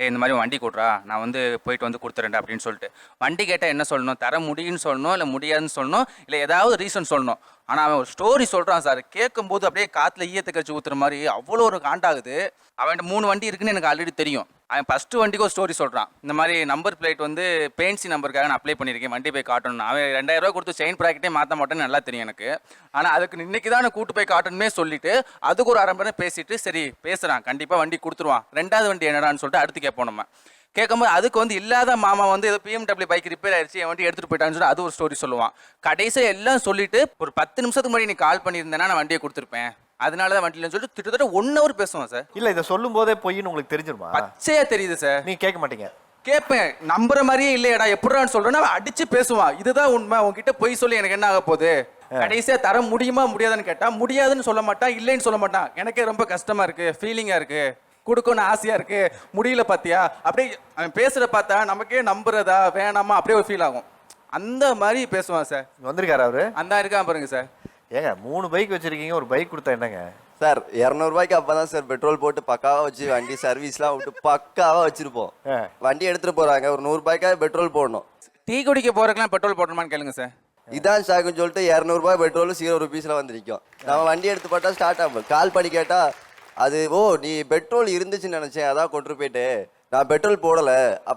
இந்த மாதிரி வண்டி கொடுறா, நான் வந்து போயிட்டு வந்து கொடுத்துறேன்டா அப்படின்னு சொல்லிட்டு. வண்டி கேட்டால் என்ன சொல்லணும்? தர முடியும்னு சொல்லணும், இல்லை முடியாதுன்னு சொல்லணும், இல்லை ஏதாவது ரீசன் சொல்லணும். ஆனால் அவன் ஒரு ஸ்டோரி சொல்கிறான் சார். கேட்கும்போது அப்படியே காற்றுல ஈயத்தை கழிச்சு ஊற்றுற மாதிரி அவ்வளோ ஒரு காண்டாகுது. அவன்கிட்ட 3 வண்டி இருக்குன்னு எனக்கு ஆல்ரெடி தெரியும். அவன் ஃபஸ்ட்டு வண்டிக்கு ஒரு ஸ்டோரி சொல்கிறான். இந்த மாதிரி நம்பர் பிளேட் வந்து பேன்சி நம்பருக்காக நான் அப்ளை பண்ணியிருக்கேன், வண்டி போய் காட்டணும். அவன் 2000 ரூபா கொடுத்து செயின் ப்ராக்கெட்டே மாற்ற மாட்டேன்னு நல்லா தெரியும் எனக்கு. ஆனால் அதுக்கு இன்னைக்கு தான் நான் கூட்டு போய் காட்டணுமே சொல்லிட்டு அதுக்கு ஒரு 1/2 மணி நேரம் பேசிட்டு சரி பேசுகிறான், கண்டிப்பாக வண்டி கொடுத்துருவான். 2வது வண்டி என்னடான்னு சொல்லிட்டு அடுத்து கேட்போம். நம்ம கேட்கும்போது அதுக்கு வந்து இல்லாத மாமா வந்து ஏதோ BMW பைக் ரிப்பேர் ஆயிடுச்சு, என் வண்டி எடுத்துகிட்டு போயிட்டான்னு சொல்லி அது ஒரு ஸ்டோரி சொல்லுவான். கடைசியாக எல்லாம் சொல்லிட்டு ஒரு 10 நிமிஷத்துக்கு முன்னாடி நீ கால் பண்ணியிருந்தேன்னா நான் வண்டியை கொடுத்துருப்பேன், அதனால தான் வண்டியிலன்னு சொல்லிட்டு கிட்டத்தட்ட 1 hour பேசுவான் சார். இல்ல இதை சொல்லும் போதே பொய்ன்னு உங்களுக்கு தெரிஞ்சிருமா? பச்சையா தெரியுது சார். நீ கேட்க மாட்டீங்க? கேட்பேன், நம்புற மாதிரியே இல்லையடா எப்படின்னு சொல்றேன்னா அவன் அடிச்சு பேசுவான். இதுதான் உண்மை, உங்ககிட்ட பொய் சொல்லி எனக்கு என்ன ஆக போகுது? கடைசியா தர முடியுமா முடியாதுன்னு கேட்டா முடியாதுன்னு சொல்ல மாட்டான், இல்லைன்னு சொல்ல மாட்டான். எனக்கே ரொம்ப கஷ்டமா இருக்கு, ஃபீலிங்கா இருக்கு, கொடுக்கணும்னு ஆசையா இருக்கு, முடியல பாத்தியா. அப்படியே அவன் பேசுற பார்த்தா நமக்கே நம்புறதா வேணாமா அப்படியே ஒரு ஃபீல் ஆகும். அந்த மாதிரி பேசுவான் சார். வந்திருக்காரு அவரு? அந்த இருக்கான் பாருங்க சார். ஏங்க 3 பைக் வச்சிருக்கீங்க, ஒரு பைக் கொடுத்தா என்னங்க சார்? 200 ரூபாய்க்கு அப்பதான் சார் பெட்ரோல் போட்டு பக்காவா வச்சு வண்டி சர்வீஸ்லாம் விட்டு பக்காவா வச்சிருப்போம். வண்டி எடுத்துட்டு போறாங்க, ஒரு 100 ரூபாய்க்காக பெட்ரோல் போடணும். டீ குடிக்க போறதுக்குலாம் பெட்ரோல் போடணுமான்னு கேளுங்க சார். இதான் ஷாக்குன்னு சொல்லிட்டு 200 ரூபாய் பெட்ரோல் 0 ரூபீஸ்ல வந்து நிற்கும். நம்ம வண்டி எடுத்து போட்டா ஸ்டார்ட் ஆகும். கால் பண்ணி கேட்டா அது ஓ நீ பெட்ரோல் இருந்துச்சுன்னு நினைச்சேன், அதான் கொண்டு போயிட்டு நான் பெட்ரோல் போடல.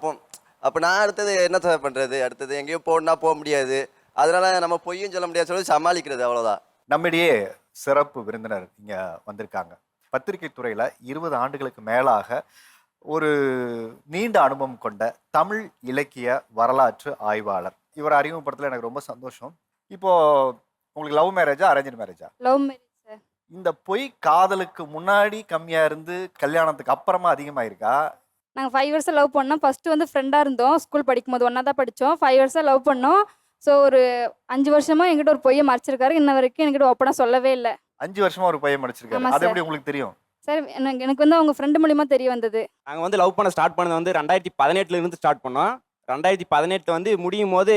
அப்போ நான் அடுத்தது என்ன சார் பண்றது? அடுத்தது எங்கேயோ போடனா போக முடியாது, அதனால நம்ம பொய்யும் சொல்ல முடியாது சொல்லி சமாளிக்கிறது, அவ்வளவுதான். நம்மிடையே சிறப்பு விருந்தினர் இங்க வந்திருக்காங்க. பத்திரிகை துறையில 20 ஆண்டுகளுக்கு மேலாக ஒரு நீண்ட அனுபவம் கொண்ட தமிழ் இலக்கிய வரலாற்று ஆய்வாளர். இவர் அறிமுகப்படுத்தல எனக்கு ரொம்ப சந்தோஷம். இப்போ உங்களுக்கு லவ் மேரேஜா அரேஞ்ச் மேரேஜா? Love marriage sir. இந்த பொய் காதலுக்கு முன்னாடி கம்மியா இருந்து கல்யாணத்துக்கு அப்புறமா அதிகமாயிருக்கா? நாங்கள் 5 years லவ் பண்ணோம். ஃபர்ஸ்ட் வந்து ஃப்ரெண்டாக இருந்தோம். ஸ்கூல் படிக்கும்போது ஒன்றா தான் படித்தோம். 5 years லவ் பண்ணோம். ஸோ ஒரு 5 வருஷமா என்கிட்ட ஒரு பொய்யை மறைச்சிருக்காரு. இன்ன வரைக்கும் என்கிட்ட ஓப்பனாக சொல்லவே இல்லை. 5 வருஷமா ஒரு பையன் மடிச்சிருக்காரு. ஆமா அது சார். எப்படி உங்களுக்கு தெரியும்? சார் எனக்கு வந்து அவங்க ஃப்ரெண்டு மூலியமா தெரிய வந்தது. நாங்கள் வந்து லவ் பண்ண ஸ்டார்ட் பண்ணது வந்து 2018 இருந்து ஸ்டார்ட் பண்ணோம். 2018 வந்து முடியும் போது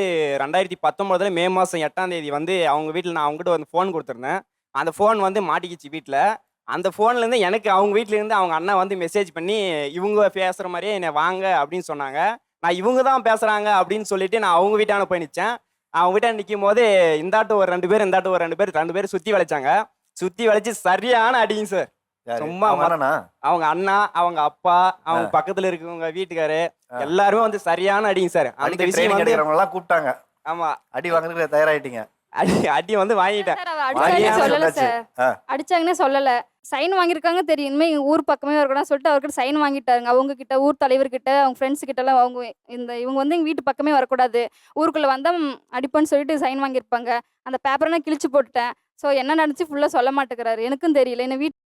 2019 மே மாதம் 8ஆம் தேதி வந்து அவங்க வீட்டில் நான் அவங்ககிட்ட வந்து ஃபோன் கொடுத்துருந்தேன். அந்த ஃபோன் வந்து மாட்டிக்கிச்சு வீட்டில். அந்த ஃபோன்லேருந்து எனக்கு அவங்க வீட்டிலேருந்து அவங்க அண்ணன் வந்து மெசேஜ் பண்ணி இவங்க பேசுகிற மாதிரியே என்னை வாங்க அப்படின்னு சொன்னாங்க. நான் இவங்க தான் பேசுகிறாங்க அப்படின்னு சொல்லிட்டு நான் அவங்க வீட்டான போய் நிற்சேன். அவங்க வீட்டான நிற்கும் போது இந்தாட்டும் ஒரு 2 பேர், இந்தாட்டும் ஒரு 2 பேர் சுற்றி வளைச்சாங்க. சுற்றி வளைச்சு சரியான அடிங்க சார். சும்மா அவங்க அண்ணா, அவங்க அப்பா, அவங்க பக்கத்துல இருக்கவங்க வீட்டுக்காரு எல்லாருமே வந்து சரியான அடிங்க சார். அந்த விஷயம் வந்து கூப்பிட்டாங்க. ஆமா, அடி வாங்குறதுக்கு தயாராயிட்டீங்க? அடி வந்து வாங்கிட்டேன். சொல்லல சார், அடிச்சாங்கன்னே சொல்லல. சைன் வாங்கியிருக்காங்க தெரியும். இனிமே எங்க ஊர் பக்கமே இருக்கணும் சொல்லிட்டு அவர்கிட்ட சைன் வாங்கிட்டாருங்க. அவங்க கிட்ட, ஊர் தலைவர்கிட்ட, அவங்க ஃப்ரெண்ட்ஸ் கிட்ட எல்லாம் அவங்க இவங்க வந்து எங்க வீட்டு பக்கமே வரக்கூடாது, ஊருக்குள்ள வந்தா அடிப்பேன்னு சொல்லிட்டு சைன் வாங்கியிருப்பாங்க. அந்த பேப்பரை நான் கிழிச்சு போட்டுட்டேன். ஸோ என்ன நடந்துச்சு ஃபுல்லா சொல்ல மாட்டேங்கிறாரு. எனக்கும் தெரியல. என்ன வீட்டு